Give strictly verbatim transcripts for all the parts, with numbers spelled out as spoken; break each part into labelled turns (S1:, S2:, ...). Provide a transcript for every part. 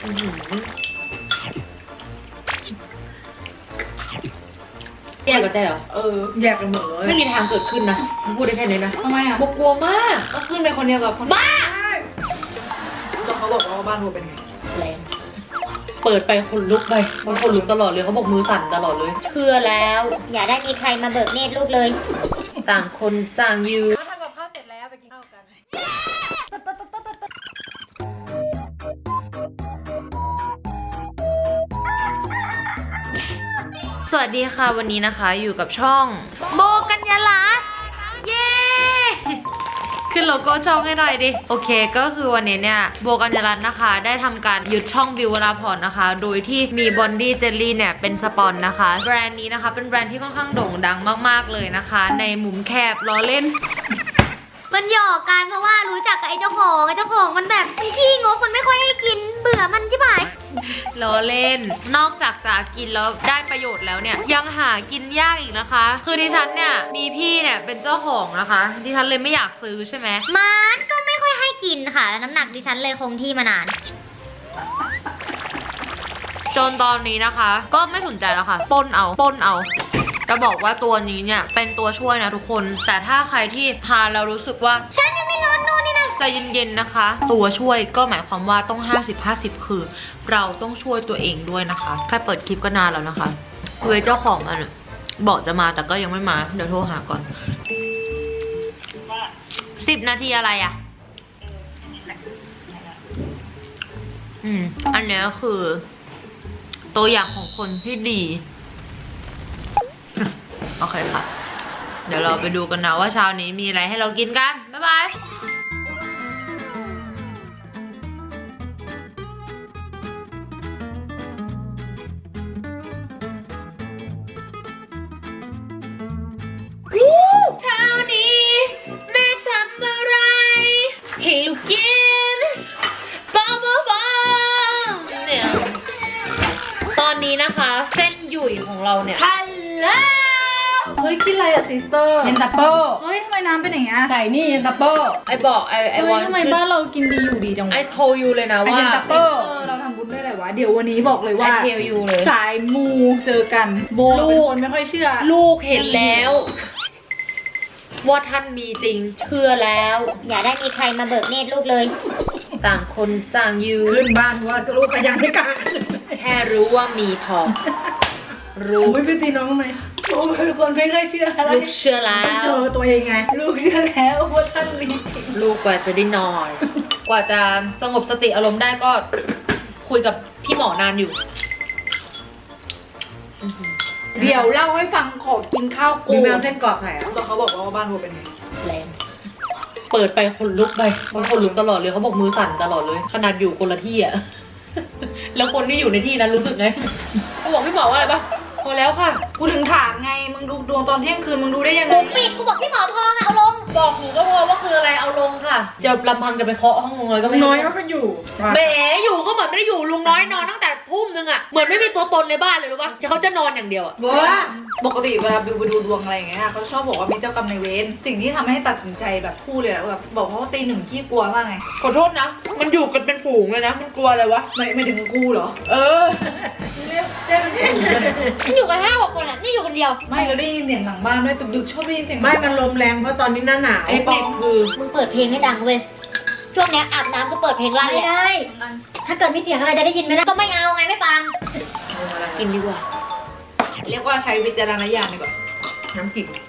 S1: แยกกันได้เหรอเออแยกกันหมดเลยไม่มีทางเกิดขึ้นนะพูดได้แค่นี้นะทำไมอ่ะโบกลัวมากก็ขึ้นไปคนเดียวกับคนบ้าก็เขาบอกว่าบ้านโบเป็นไงแรงเปิดไปคนลุกไปมันคนลุกตลอดเลยเขาบอกมือสั่นตลอดเลยเชื่อแล้ว
S2: อย่าได้มีใครมาเบิกเนตรลูกเลย
S1: ต่างคนต่างยืน
S3: ทำกับข้าวเสร็จแล้วไปกินข้าวกัน
S1: สวัสดีค่ะวันนี้นะคะอยู่กับช่องโบกัญญาลักษณ์เย้ขึ้นโลโก้ช่องให้หน่อยดิโอเคก็คือวันนี้เนี่ยโบกัญญาลักษณ์นะคะได้ทำการยึดช่องบิววราพรนะคะโดยที่มีบอนดี้เจลลี่เนี่ยเป็นสปอนนะคะแบรนด์นี้นะคะเป็นแบรนด์ที่ค่อนข้างโด่งดังมากๆเลยนะคะในมุมแคบล้อเล่น
S2: มันหยอกกันเพราะว่ารู้จักกับไอ้เจ้าของไอ้เจ้าของมันแบบขี้งกมันไม่ค่อยให้กินเบื่อมันใช่ไหม
S1: ล้อเล่นนอกจากจะกินแล้วได้ประโยชน์แล้วเนี่ยยังหากินยากอีกนะคะคือดิฉันเนี่ยมีพี่เนี่ยเป็นเจ้าของนะคะดิฉันเลยไม่อยากซื้อใช่ไหม
S2: มันก็ไม่ค่อยให้กินค่ะน้ำหนักดิฉันเลยคงที่มานาน
S1: จนตอนนี้นะคะก็ไม่สนใจแล้วค่ะป้นเอาป้นเอาจะบอกว่าตัวนี้เนี่ยเป็นตัวช่วยนะทุกคนแต่ถ้าใครที่ทานแล้วรู้สึกว่า
S2: ฉันยังไม่ร้อนนู่นนี่นะ
S1: ใจเย็นๆนะคะตัวช่วยก็หมายความว่าต้องห้าสิบ ห้าสิบคือเราต้องช่วยตัวเองด้วยนะคะแค่เปิดคลิปก็นานแล้วนะคะคือเจ้าของมันบอกจะมาแต่ก็ยังไม่มาเดี๋ยวโทรหาก่อนสิบนาทีอะไรอ่ะอืมอันนี้คือตัวอย่างของคนที่ดีโอเคค่ะเดี๋ยวเราไปดูกันนะว่าเช้านี้มีอะไรให้เรากินกันบ๊ายบายเช้านี้แม่ทำอะไรหิวกินบ้าบ้าบ้าเนี่ยตอนนี้นะคะเส้นหยุ่ยของเราเนี่ย
S3: ฮัลโหลเฮ้ยกินอะไรอะซิสเตอร์
S4: เย็นตาโป้
S3: เฮ้ยทำไมน้ำเป็นอย่างเงี้ย
S4: ใส่นี่เย็นตาโป้
S1: ไอบอกไอไอวอน
S3: ทำไมบ้านเรากินดีอยู่ดีจังวะ
S1: ไอโทยูเลยนะว่า
S4: เย็นตาโป้
S3: เราทำบุญได้ไรวะเดี๋ยววันนี้บอกเลยว่า
S1: ไอเทลยูเลย
S3: สายมูเจอกันโบเป็นคนไม่ค่อยเชื่อ
S1: ลูกเห็นแล้วว่าท่านมีจริงเชื่อแล้ว
S2: อย่าได้มีใครมาเบิกเนตรลูกเลย
S1: ต่างคนต่างยืน
S4: ขึ้นบ้านว่าลูกขยันไม่กล้า
S1: แค่รู้ว่ามีพอรู้
S4: ไม่ไปตีน้องไหมโอ้เป็นคนไม่เคยเชื่ออะไร
S1: ลูกเชื่อแล้ว
S4: เจอตัวเองไงลูกเชื่อแล้วว่าท่านมี
S1: ลูกกว่าจะได้นอนกว่าจะสงบสติอารมณ์ได้ก็คุยกับพี่หมอนานอยู่
S3: เดี๋ยวเล่าให้ฟังขอกินข้าวกู
S4: มีแมวเส้นกรอบไหนอ่ะ
S3: แล้วเขาบอกว่าบ้านโบเป็นไง
S1: แรงเปิดไปคนลุกไปมันคนลุกตลอดเลยเขาบอกมือสั่นตลอดเลยขนาดอยู่คนละที่อะแล้วคนที่อยู่ในที่นั้นรู้สึกไงเขาบอกพี่หมอว่าอะไรปะพอแล้วค่ะ
S3: กูถึงถามไงมึงดูดวงตอนเที่ยงคืนมึงดูได้ยังไง
S2: กูปิดกูบอกพี่หมอพอเอาลง
S1: บอกหนูก็พอว่าคืออะไรเอาลงค่ะจะลำพังจะไปเคาะห้องลุงน้อยก็ไม่
S4: น้อยก็อยู่
S1: แหมอยู่ก็เหมือนไม่ได้อยู่ลุงน้อยนอนตั้งแต่ทุ่มนึงอะเหมือนไม่มีตัวตนในบ้านเลยรู้ปะเขาจะนอนอย่างเดียวอะ
S3: ว่าปกติเวลาบิวไปดูดวงอะไรอย่างเงี้ยเขาชอบบอกว่ามีเจ้ากรรมนายเวรสิ่งที่ทำให้ตัดสินใจแบบคู่เลยแบบบอกเขาว่าตีหนึ่งขี้กลัวมากไง
S1: ขอโทษนะมันอยู่กันเป็นฝูงเลยนะมันกลัวอะไรวะ
S3: ไม่ไม่ถึงคู่เหรอ
S1: เออ
S3: เรียกเรียกเป็นฝูงเลย
S2: นี่อยู่กันห้าหกคนอะนี่อยู่คนเดียว
S3: ไม่เราได้ยินเสียงหลังบ้านด้วยดึกๆชอบได้ยินเสียง
S4: ไม่มันลมแรงเพราะตอนนี้หน้าหนาว
S1: ไอ้เป็ดคือ
S2: มึงเปิดเพลงให้ดังเว้ยช่วงนี้อาบน้ำก็เปิดเพลงลั่นไม่ได้ถ้าเกิดมีเสียงอะไรจะได้ยินไหมล่ะก็ไม่เอาไงไม่ฟัง
S1: กินดีกว่า
S3: เรียกว่าใช้วิจารณญาณดีกว่าน้ำจิ้ม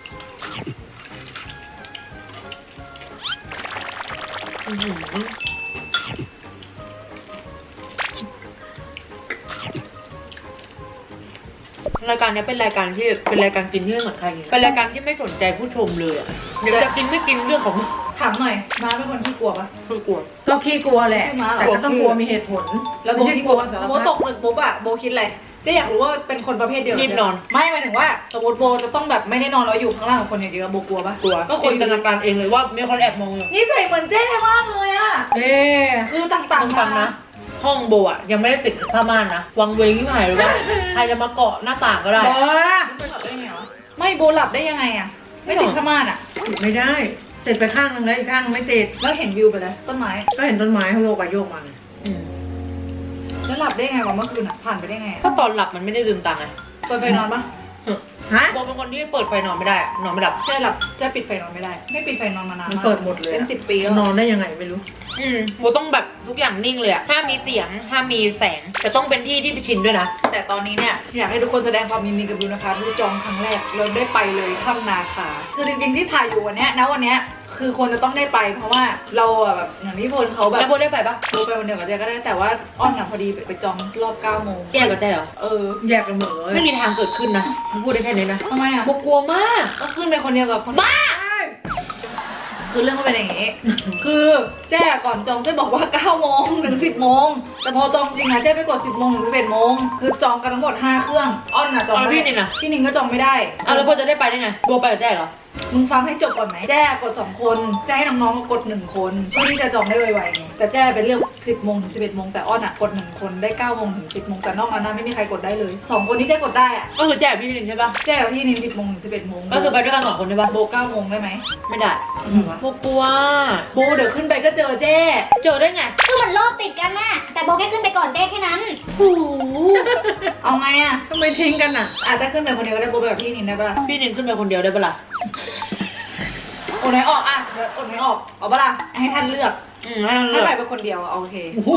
S1: รายการนี้เป็นรายการที่เป็นรายการกินที่ไม่เหมือนใครเป็นรายการที่ไม่สนใจผู้ชมเลยอ่ะเดี๋ยวจะกินไม่กินเรื่องของ
S3: ถามหน่อยม้าเป็นคนขี้กลัวปะ
S1: ไม่กลัว
S4: ก็ขี้กลัวแหละแต่ก็ต้องกลัวมีเหตุผล
S3: แล้วโบขี้กลัวโบตกหนึกปุ๊บอะโบคิดอะไรจะอยากรู้ว่าเป็นคนประเภทเดียว
S1: รีบนอน
S3: ไม่หมายถึงว่าสมมติโบจะต้องแบบไม่ได้นอนแล้วอยู่ข้างล่างกับคนอย่างเดียวโบกลัวปะ
S1: กลัวก็คนจินตนาการเองเลยว่ามีคนแอบมองอยู่
S3: นี่ใส่เหมือนเจ๊มากเลยอะ
S1: เอ๊
S3: คือต่างๆ
S1: ฟังนะห้องโบอะยังไม่ได้ติดผ้าม่านนะวังเวงที่หายหรือว่าใครจะมาเกาะหน้าต่างก็ได้
S3: โบหลับได้ไงวะไม่โบหลับได้ยังไงอะไม่ติดผ้าม่านอะ
S4: ติดไม่ได้ติดไปข้างนึงแล้วอีกข้างไม่ติด
S3: แล้วเห็นวิวไปเลยต้นไม้
S4: ก็เห็นต้นไม้เขาโยกไปโยกมา
S3: แล้วได้ไงวะเมื่อคืนอ่ะผ่านไปได้ไง
S1: ก็ตอนหลับมันไม่ได้ลืมตาไง
S3: เปิดไฟนอนปะ
S4: ฮะ
S1: โบเป็นคนที่เปิดไฟนอนไม่ได้อะนอนไม่หลับ
S3: แจ้หลับแจ้ปิดไฟนอนไม่ได้ไม่ปิดไฟนอนมานาน
S4: มัน
S3: มาก
S4: เปิดหมดเลย
S3: เป็น
S4: อะ
S3: สิบปีแล้ว
S4: นอนได้ยังไงไม่รู้
S1: อืมโบต้องแบบทุกอย่างนิ่งเลยอะห้ามมีเสียงห้ามมีแสงแต่ต้องเป็นที่ที่ไปชินด้วยนะ
S3: แต่ตอนนี้เนี่ยอยากให้ทุกคนแสดงความยินดีกับบิวนะคะที่จองครั้งแรกเราได้ไปเลยถ้ำนาคาคือจริงๆที่ถ่ายอยู่วันเนี้ยนะวันเนี้ยคือคนจะต้องได้ไปเพราะว่าเราอะแบบอย่างที่พลเขาแบบ
S1: แล้วโบได้ไปปะ
S3: โบไปวันเดียวกับเจ๊ก็ได้แต่ว่าอ้อนอะพอดีไปจองรอบเก้าโมง
S1: แยกกับแจ้เหรอ
S3: เออ
S4: แยกกันหมดเลย
S1: ไม่มีทางเกิดขึ้นนะพูดได้แค่นี้นะ
S3: ทำไมอะ
S1: โบกลัวมาก
S3: ก็ขึ้นไปคนเดียวกับคนบ้าคือเรื่องก็เป็นอย่างงี้ คือแจ้ก่อนจองเจ๊บอกว่าเก้าโมงถึงสิบโมงแต่พอจองจริงอะเจ๊ไปกดสิบโมงถึงสิบเอ็ดโมงคือจองกันทั้งหมดห้าเครื่องอ้อนอะจอง
S1: เอาแล้ว
S3: ไม่
S1: พี่นินอะ
S3: พี่นินก็จองไม่ได้
S1: เอาแล้วโบจะได้ไปได้ไงโบไปกับแจ้เหรอ
S3: มึงฟังให้จบก่อนไหมแจ้กดสองคนแจ้ให้น้องๆกดหนึ่งคนเพื่อที่จะจองได้ไวๆไงแต่แจ้เป็นเรื่องสิบโมงถึงสิบเอ็ดโมงแต่อ้อนอะกดหนึ่งคนได้เก้าโมงถึงสิบโมงแต่นอกนั้นนะไม่มีใครกดได้เลยสองคนนี้แจ้กดได้อะ
S1: ก็คือแจ้กับพี่นินใช่ปะ
S3: แจ้กับพี่นินสิบโมงถึงสิบเอ็ดโมง
S1: ก็คือไปด้วยกันสองคนใช่ปะ
S3: โบเก้าโมงได้ไหม
S1: ไม่ได้โบกลัว
S3: โบเดี๋ยวขึ้นไปก็เจอแจ้
S1: เจอได้ไง
S2: คือเหมือนโลกติดกันน่ะแต่โบแค่ขึ้นไปก่อนเจ๊แค่นั้น
S3: โอ้โหเอาไงอะ
S4: ทำไมทิ้งกันอ่ะ
S3: อาจจะขึ้นไปคนเดียวก็ได้โบไปกับพี่นินได้ปะล่ะ
S1: พี่นินขึ้นไปคนเดียวได้ปะล่ะ
S3: โอนไหนออกอะเดี๋ยวโอนไหนออกเอาปะล่ะให้ท่านเลือก
S1: อืมให้เราเลื
S3: ถ้า
S1: อก
S3: ไปเป็นคนเดียวอะโอเค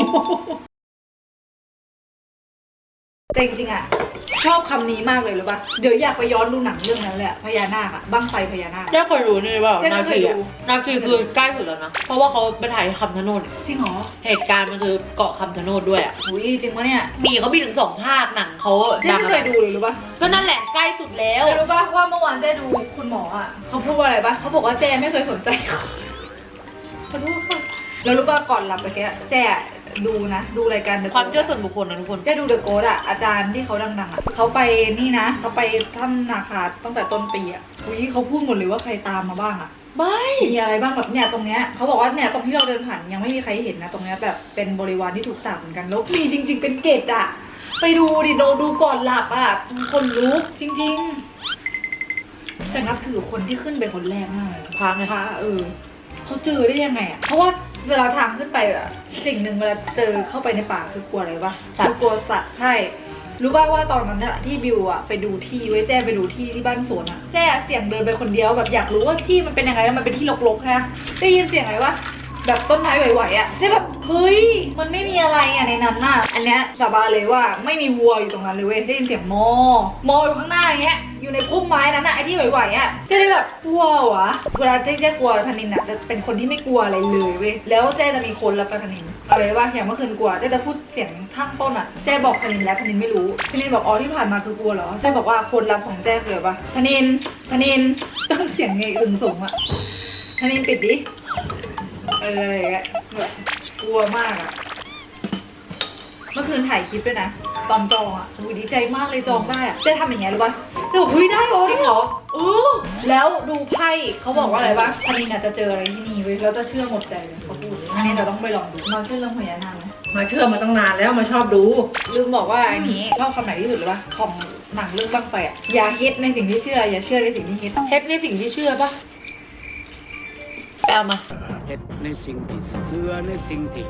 S3: แต่จริงๆอะชอบคำนี้มากเลยหรือปะเดี๋ยวอยากไปย้อนดูหนังเรื่องนั้นเลยอะพญานาคอะบั้งไฟพญานาค
S1: แจ้เคยรู้นี่เปล่า
S3: แจ้ไม่
S1: นา
S3: เค
S1: คี
S3: ย
S1: อะ
S3: ดู
S1: นาคีคือใกล้สุดแล้วนะ เพราะว่าเขาไปถ่ายคำชะโนด
S3: จริงเหรอ
S1: เหตุการณ์มันคือเกาะคำชะโนดด้วยอ่ะ
S3: อุ้ยจริงปะเนี่ย
S1: มีเขามีถึงสองภาคหนังเขา
S3: เจ๊
S1: ดัง
S3: ไม่เคยดูเลยรู้ปะ
S1: ก็นั่นแหละใกล้สุดแล้ว
S3: แต่รู้ปะว่าเมื่อวานเจ๊ดูคุณหมออ่ะเขาพูดว่าอะไรปะเขาบอกว่าเจ๊ไม่เคยสนใจเขาขอโทษค่ะแล้วรู้ปะก่อนหลับไปแกเจ๊ดูนะ ดูรายการ The
S1: ความ
S3: Ghost
S1: เชื่อส่วนบุคคลนะทุกคน
S3: เจ๊ดูเดอะโกดอ่ะอาจารย์ที่เขาดังๆอ่ะเขาไปนี่นะเขาไปถ้ำนาคาตั้งแต่ต้นปีอ่ะอุ้ยเขาพูดหมดเลยว่าใครตามมาบ้างอ่ะ
S1: ไม่
S3: มีอะไรบ้างแบบเนี่ยตรงเนี้ยเขาบอกว่าเนี่ยตรงที่เราเดินผ่านยังไม่มีใครเห็นนะตรงเนี้ยแบบเป็นบริวารที่ถูกสาปเหมือนกันแล้วมีจริง ๆ เป็นเกตอ่ะไปดูดิโดดูก่อนหลับอ่ะคนลุกจริง ๆ แต่นับถือคนที่ขึ้นไปคนแรกมากเลย
S1: พังไง
S3: พระเออเขาเจอได้ยังไงอ่ะเพราะว่าเวลาทางขึ้นไปอ่ะสิ่งหนึ่งเวลาเจอเข้าไปในป่าคือกลัวอะไรปะคือกลัวสัตว์ใช่ รู้ป่าวว่าตอนนั้นอะที่บิวอะไปดูที่ไว้แจ้ไปดูที่ที่บ้านสวนอะแจ้เสียงเดินไปคนเดียวแบบอยากรู้ว่าที่มันเป็นยังไงแล้วมันเป็นที่รกๆใช่ไหมได้ยินเสียงอะไรวะแบบต้นไม้ไหวๆอะแจ้แบบเฮ้ยมันไม่มีอะไรอะในนั้นน่ะอันเนี้ยสาบานเลยว่าไม่มีวัวอยู่ตรงนั้นเลยเว้ยได้ยินเสียงมอมออยู่ข้างหน้าอย่างเงี้ยอยู่ในพุ่มไม้นั้นอะไอ้ที่ไหวๆอะเจ้ได้แบบกลัววะเวลาเจ้เจ้กลัวธนินอะจะเป็นคนที่ไม่กลัวอะไรเลยเว้ยแล้วเจ้จะมีคนรับกับธนินอะไรวะอย่างเมื่อคืนกลัวเจ้จะพูดเสียงทั้งต้นอะเจ้บอกธนินแล้วธนินไม่รู้ธนินบอกอ๋อที่ผ่านมาคือกลัวเหรอเจ้บอกว่าคนรับของเจ้คืออะไรวะธนินธนินต้องเสียงเงยสูงๆอะธนินปิดดิเอออะไรอย่างเงี้ยแบบกลัวมากอะเมื่อคืนถ่ายคลิปด้วยนะตอนจองอะอุ้ยดีใจมากเลยจองได้อะเจ้ทำอย่างเงี้ยรู้ป่ะเจ้บอกเฮ้ยได้เหรอ
S1: จริงเหรอ
S3: เออแล้วดูไพ่เขาบอกว่าอะไรปะธนินอาจจะเจออะไรที่นี่เว้ยแล้วจะเชื่อหมดใจเลยเขาพูดอันนี้เราต้องไปลองดูมาเชื่อเรื่องพญานาคไหม
S4: มาเชื่อมาตั้งนานแล้วมาชอบดู
S3: ลืมบอกว่าอันนี้ชอบคำไหนที่สุดเลยปะของหนังเรื่องบ้างไฟอะอย่าเฮ็ดในสิ่งที่เชื่ออย่าเชื่อในสิ่งที่เฮ็ด
S1: เฮ็ดในสิ่งที่เชื่อปะแปลมา
S5: เฮ็ดในสิ่งที่เชื่อในสิ่งที่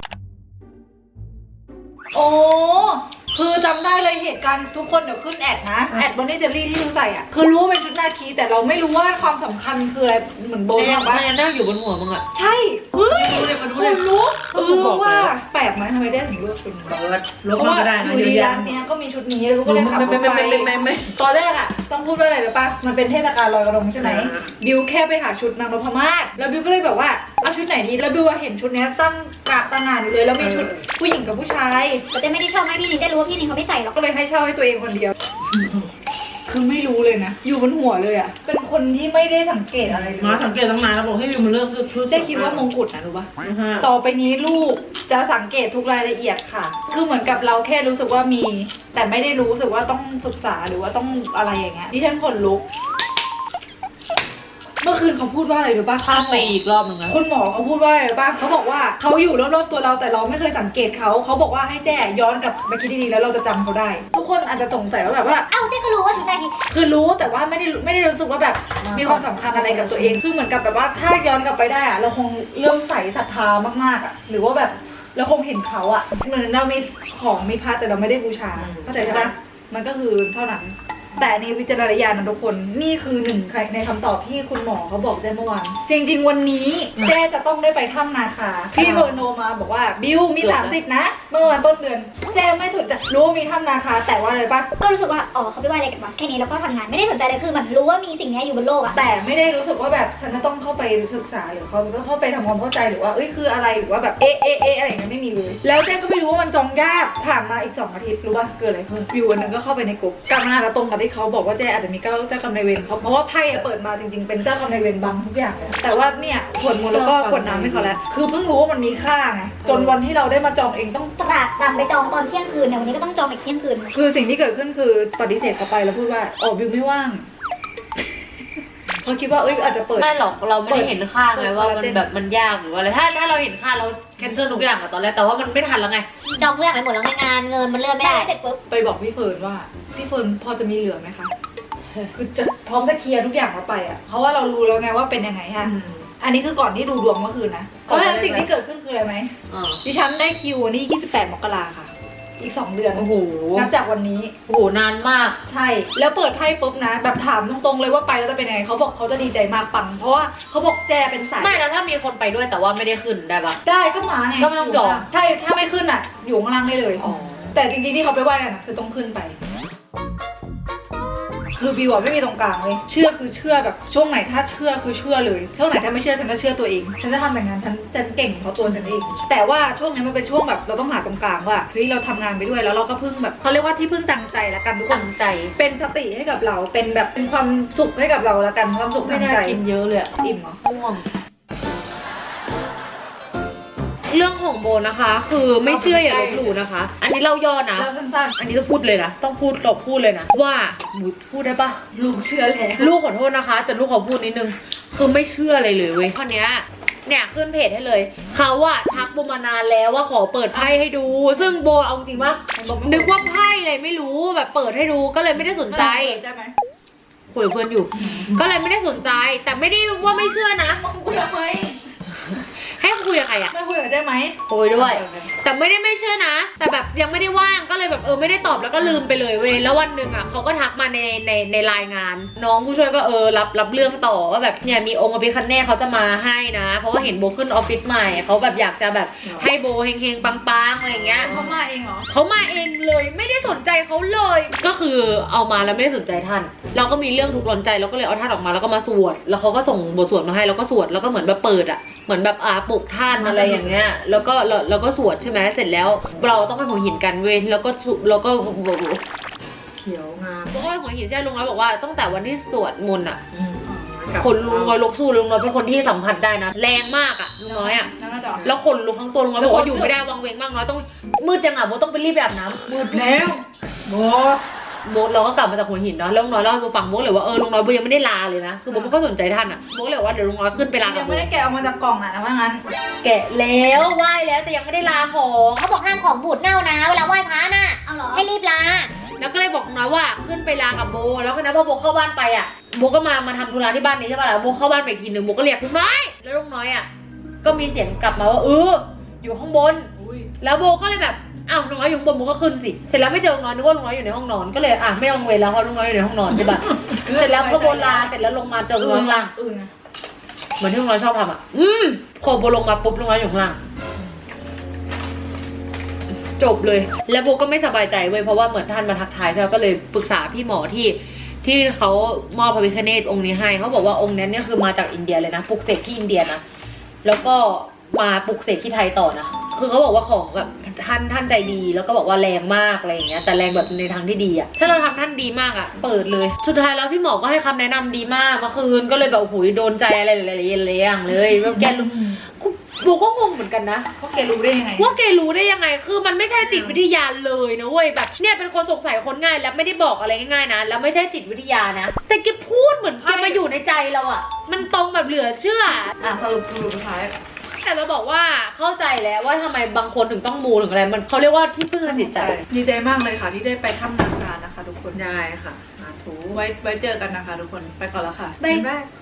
S3: โอ้คือจำได้เลยเหตุการณ์ทุกคนเดี๋ยวขึ้นแอดนะแอดบอนนี่เจลลี่ที่ดูใส่อะคือรู้ว่าเป็นชุดนาคีแต่เราไม่รู้ว่าความสำคัญคืออะไรเหมือนโบ
S1: โบ
S3: น
S1: น
S3: บอกว่า
S1: มันยังนั่งอยู่บนหัวมึงอะ
S3: ใช่เฮ้ย
S4: ดูเลยมาดู
S3: คุ
S4: เลย
S3: ณรู้เอ
S1: ผมบ
S3: อ
S1: อกเลย
S3: ว่า
S1: ว่า
S3: แปลกไหมทำไมได้ถึงเลือกชุดนี้
S4: เปิดลบ
S3: เพราะ
S4: มา
S3: ว่า
S4: ก็ได้
S3: อ
S4: นะ
S3: ยู่
S4: เยอะ
S3: ดี
S4: แยะ
S3: ร้านเนี้ยก็มีชุดนี้รู้ก็เลยขับร
S4: ไม่
S3: ถ
S4: ไม่
S3: ไป
S4: ไม่ไม่ไม่
S3: ตอนแรกอะต้องพูดว่าอะไรหรือปะมันเป็นเทศกาลลอยกระทงใช่ไหม
S4: อ่า
S3: บิวแค่ไปหาชุดนางนพมาศแล้วบิวก็เลยแบบว่าเอาชุดไหนดีแล้วบิวเห็นชุดเนี้ยตั้งกะตั้งงานอยู่เลยแล้วมีชุดผู้หญิงกับผู้ชาย
S2: แต่เจ๊ไม่ได้ชอบให้พี่นินได้รู้ว่าพี่นินเขาไม่ใส่หรอก
S3: ก็เลยให้เช่าให้ตัวเองคนเดียว คือไม่รู้เลยนะ อยู่บนหัวเลยอะเป็นคนที่ไม่ได้สังเกตอะไรเลย
S4: มาสังเกตตั้งนานแล้วบอกให้วิวมาเลือกชุด
S3: ได้คิดว่ามงกุฎนะรู้ปะ
S4: นะฮะ
S3: ต่อไปนี้ลูกจะสังเกตทุกรายละเอียดค่ะ คือเหมือนกับเราแค่รู้สึกว่ามี แต่ไม่ได้รู้สึกว่าต้องศึกษาหรือว่าต้องอะไรอย่างเงี้ยดิฉันขนลุก เมื่อคืนเขาพูดว่าอะไรรู้ป่ะ
S1: ข้ามไปอีกรอบหนึงนะ
S3: คุณหมอเขาพูดว่าอะไรรู้ป่ะเขาบอกว่าเขาอยู่รอบๆตัวเราแต่เราไม่เคยสังเกตเขาเขาบอกว่าให้แจ้ย้อนกลับไปคิดดีๆแล้วเราจะจำเขาได้ ทุกคนอาจจะสงสัยว่าแบบว่า
S2: เอ้าเจ๊ก็รู้ว่าชุดนาคี
S3: คือรู้แต่ว่าไม่ได้ไม่ได้รู้สึกว่าแบบมีความสำคัญอะไรกับตัวเอง คือเหมือนกับแบบว่าถ้าย้อนกลับไปได้อะเราคงเริ่มใส่ศรัทธามากๆอะหรือว่าแบบเราคงเห็นเขาอะเหมือนเรามีของมีพระแต่เราไม่ได้บูชาเข้าใจใช่ปะมันก็คือเท่านั้นแต่ในวิจารณญาณนะทุกคนนี่คือหนึ่งในคำตอบที่คุณหมอเขาบอกแจ้เมื่อวานจริงๆวันนี้แจ้จะต้องได้ไปถ้ำนาคาพี่เบอร์โนมาบอกว่าบิวมีสามสิบนะเมื่อวันต้นเดือนแจ้ไม่สนใจรู้ว่ามีถ้ำนาคาแต่ว่าอะไรปะ
S2: ก็รู้สึกว่าอ๋อเขาไปไหว้อะไรกันวะแค่นี้แล้วก็ทำงานไม่ได้สนใจเลยคือเหมือนรู้ว่ามีสิ่งนี้อยู่บนโลกอะ
S3: แต่ไม่ได้รู้สึกว่าแบบฉันจะต้องเข้าไปศึกษาหรือเขาต้องเข้าไปทำความเข้าใจหรือว่าเอ้ยคืออะไรหรือว่าแบบเอ๊ะเอ๊ะเอ๊ะอะไรอย่างเงี้ยไม่มีเลยแล้วแจ้ก็ไม่รู้ว่ามันจองยากผ่านมาอีกสองอาทิตย์รู้ว่าเกิดอะไรขึ้นวิววันหนึงก็เข้าไปในกลุ่มกลับมาแล้วตรงกับที่เขาบอกว่าแจ้อาจจะมีเจ้าเจ้ากรรมนายเวรเขาเพราะว่าไพ่อะเปิดมาจริงๆเป็นเจ้ากรรมนายเวรบังทุกอย่างเลยแต่ว่าเนี่ยขวดมูลแล้วก็ขวดน้ำให้เขาแล้วคือเพิ่งรู้ว่ามันมีค่าไงจนวันที่เราได้มาจองเองต้อง
S2: ตราดตามไปจองตอนเที่ยงคืนเนี่ยวันนี้ก็ต้องจองอีกเที่ยงคืน
S3: คือสิ่งที่เกิดขึ้นคือปฏิเสธเขาไปแล้วพูดว่าอ๋อวิวไม่ว่างเขาคิดว่าเอ้ยอาจจะเปิด
S1: ไม่หรอกเราไม่ได้เห็นค่าไงว่ามัน
S3: เปิด
S1: แบบมันยากหรือว่าอะไรถ้าถ้าเราเห็นค่าเราแคนเซิลทุกอย่างอะตอนแรกแต่ว่ามันไม่ทันแล้วไง
S2: จองเพื่อนไปหมดแล้วไงงานเงินมันเลื่อนไม่ได้เสร็จปุ๊บ
S3: ไปบอกพี่เฟิร์นว่าพี่เฟิร์นพอจะมีเหลือไหมคะ คือจะพร้อมจะเคลียร์ทุกอย่างเราไปอ่ะเพราะว่าเรารู้แล้วไงว่าเป็นยังไงฮะอันนี้คือก่อนที่ดูดวงเมื่อคืนนะเพราะฉะนั้นสิ่งที่เกิดขึ้นคืออะไรไหม
S1: อ่า
S3: ดิฉันได้คิววันที่ยี่สิบแปดมกราค่ะ อีกสองเดือน
S1: โอ้โห
S3: นับจากวันนี้
S1: โอ้โหนานมาก
S3: ใช่ แล้วเปิดไพ่ปุ๊บนะ แบบถามตรงๆเลยว่าไปแล้วจะเป็นยังไงเขาบอกเขาจะดีใจมากปังเพราะว่าเขาบอกแจเป็นสาย
S1: ไม่แล้วถ้ามีคนไปด้วยแต่ว่าไม่ได้ขึ้นได้ปะ
S3: ได้ก็มาไง
S1: ก็ไม่ต้องจอง
S3: ใช่ถ้าไม่ขึ้นอ่ะ อยู่ข้างล่างได้เลย
S1: อ๋อ
S3: แต่จริงๆที่เขาไปไหว้กันอะคือต้องขึ้นไป คือบิวอะไม่มีตรงกลางเลย เชื่อคือเชื่อแบบช่วงไหนถ้าเชื่อคือเชื่อเลยช่วงไหนถ้าไม่เชื่อฉันก็เชื่อตัวเอง ฉันจะทำแต่งานฉันฉันเก่งเพราะตัวฉันเอง แต่ว่าช่วงนี้มันเป็นช่วงแบบเราต้องหาตรงกลางว่าเฮ้ยเราทำงานไปด้วยแล้วเราก็พึ่งแบบเขาเรียกว่าที่พึ่งทางใจละกันทุกคน
S1: ตั้งใจ
S3: เป็นสติให้กับเราเป็นแบบเป็นความสุขให้กับเราละกันความสุข
S1: ไม่
S3: ทาง
S1: น่า
S3: ใจ
S1: กินเยอะเลยอะ
S3: อิ่มเหรอ
S1: ง่วงเรื่องของโบนะคะ คือไม่เชื่ออย่าลบหลู่นะคะ อันนี้เราย่อนะ
S3: แล้วสั้น
S1: อันนี้ต้องพูดเลยนะต้องพูดตบพูดเลยนะว่าหนูพูดได้ปะ
S3: ๆลูกเชื่อแล้ว
S1: ลูกขอโทษนะคะแต่ลูกขอพูดนิดนึงคือไม่เชื่ออะไรเลยเว้ยข้อเนี้ยเนี่ยขึ้นเพจให้เลยเขาอะทักโบมานานแล้วว่าขอเปิดไพ่ให้ดู ซึ่งโบเอาจริงปะนึกว่าไพ่อะไรไม่รู้แบบเปิดให้ดูก็เลยไม่ได้สนใจ
S3: ใช่ไหม
S1: คุยกับเพื่อนอยู่ ก็เลยไม่ได้สนใจ แต่ไม่ได้ว่าไม่เชื่อนะ
S3: มึงคุยทำไม
S1: ให้คุยกับใครอะ
S3: ไม่คุยกับได้ไหม
S1: คุยด้วย แต่ไม่ได้ไม่เชื่อนะ แต่แบบยังไม่ได้ว่างก็เลยแบบเออไม่ได้ตอบแล้วก็ลืมไปเลยเว้ยแล้ววันหนึ่งอ่ะเขาก็ทักมาในในในรายงาน น้องผู้ช่วยก็เออรับรับเรื่องต่อว่าแบบเนี่ยมีองค์อภิคันเน่เขาจะมาให้นะ เพราะว่าเห็นโบขึ้นออฟฟิศใหม่เขาแบบอยากจะแบบให้โบเฮงๆปังๆอะไรอย่างเงี้ย
S3: เขามาเองเหรอ
S1: เขามาเองเลยไม่ได้สนใจเขาเลย ก็คือเอามาแล้วไม่ได้สนใจท่าน เราก็มีเรื่องทุกข์ร้อนใจเราก็เลยเอาท่านออกมาแล้วก็มาสวดแล้วเขาก็ส่งบทสวดมาให้แล้วก็สวดแล้วก็เหมือนแบบเปิดอ่ะเหมือนแบบอ่าปลุกท่านอะไรอย่างเงี้ยแล้วก็เราเราก็สวดใช่ไหมเสร็จแล้วเราต้องไปหัวหินกันเว้ยแล้วก็สุแล้วก็
S4: เขียวงาม
S1: แล้วก็หัวหินใช่ลุงน้อยบอกว่าตั้งแต่วันที่สวดมนต์อ่ะ
S4: อืมกลับ
S1: คนลุงน้อยลบสู้ลุงน้อยเป็นคนที่สัมผัสได้นะแรงมากอ่ะลุงน้อยอ่ะ
S3: นั่นก็ดอก
S1: แล้วคนลุกทั้งตัวลุงน้อยบอกว่าอยู่ไม่ได้วังเวงมากน้อยต้องมืดจังอ่ะโบต้องไปรีบไปอาบน้ำมืด
S3: แล้วโบ
S1: โบเราก็กลับมาจากหัวหินเนาะแล้วลุงน้อยเล่าให้โบฟังโบเลยว่าเออลุงน้อยโบยังไม่ได้ลาเลยนะคือโบไม่ค่อยสนใจท่านอ่ะโบเลยว่าเดี๋ยวลุงน้อยขึ้นไปลากั
S3: ยั
S1: บ
S3: ง
S1: โบ
S3: ไม่ได้แกะออกมาจากกล่องอ่ะนะว่างั้น
S1: แกะแล้วไหว้แล้วแต่ยังไม่ได้ลาของ
S2: เขาบอกห้ามของบูดเน่านะเวลาไหว้พระน่ะเอาเหรอให้รีบลา
S1: แล้วก็เลยบอกลุงน้อยว่าขึ้นไปลากับโบแล้วคณะพอโบเข้าบ้านไปอ่ะโบก็มามาทำธุระที่บ้านนี้ใช่ป่ะล่ะโบเข้าบ้านไปอีกทีหนึ่งโบก็เรียกลุงน้อยแล้วลุงน้อยอ่ะก็มีเสียงกลับมาว่าเอออยู่ข้างบน
S3: อุ้ย
S1: แล้วโบก็เลยแบบอ้าวลุงน้อยอยู่ข้างบนโบก็ขึ้นสิเสร็จแล้วไม่เจอลุงน้อยนึกว่าลุงน้อยอยู่ในห้องนอนก็เลยอ่ะไม่ต้องเวรแล้วเพราะลุงน้อยอยู่ในห้องนอนใช่ป่ะเสร็จแล้วพอโบลาเสร็จแล้วลงมาเจอลุงน้อยข้างล่าง
S3: อึ้งอะ
S1: เหมือนที่ลุงน้อยชอบทำอ่ะอืมพอโบลงมาปุ๊บลุงน้อยอยู่ข้างล่างจบเลยแล้วโบก็ไม่สบายใจเว้ยเพราะว่าเหมือนท่านมาทักทายใช่ไหมก็เลยปรึกษาพี่หมอที่ที่เขามอบพระพิฆเนศองค์นี้ให้เขาบอกว่าองค์นั้นเนี่ยคือมาจากอินเดียเลยนะปลุกเสกที่อินเดียนะแล้วก็มาปลุกเสกที่ไทยต่อนะคือเขาบอกว่าของแบบท่านท่านใจดีแล้วก็บอกว่าแรงมากอะไรอย่างเงี้ยแต่แรงแบบในทางที่ดีอะถ้าเราทำท่านดีมากอะเปิดเลยสุดท้ายแล้วพี่หมอก็ให้คำแนะนำดีมากเมื่อคืนก็เลยแบบโอ้โหโดนใจอะไรหลายๆอย่างเลยแบบแกรู้โบก็งงเหมือนกันนะ
S3: เขาแกรู้ได้ยังไง
S1: ว่าแกรู้ได้ยังไง คือมันไม่ใช่จิตวิทยาเลยนะเว้ย แบบเนี่ยเป็นคนสงสัยคนง่ายแล้วไม่ได้บอกอะไรง่ายๆนะ แล้วไม่ใช่จิตวิทยานะ แต่แกพูดเหมือนแกมาอยู่ในใจเราอะมันตรงแบบเหลือเชื่อ
S3: อ่ะสรุปสรุปสุดท้าย
S1: แต่จะบอกว่าเข้าใจแล้วว่าทำไมบางคนถึงต้องมูถึงอะไร มันเขาเรียกว่าที่พึ่งทางจิตใจ
S3: ดีใจมากเลยค่ะที่ได้ไปถ้ำนาคานะคะทุกคน
S4: ได้ค่ะสาธุ
S3: ไว้ไว้เจอกันนะคะทุกคน ไปก่อนแล้วค่ะ
S1: บ๊าย
S3: บาย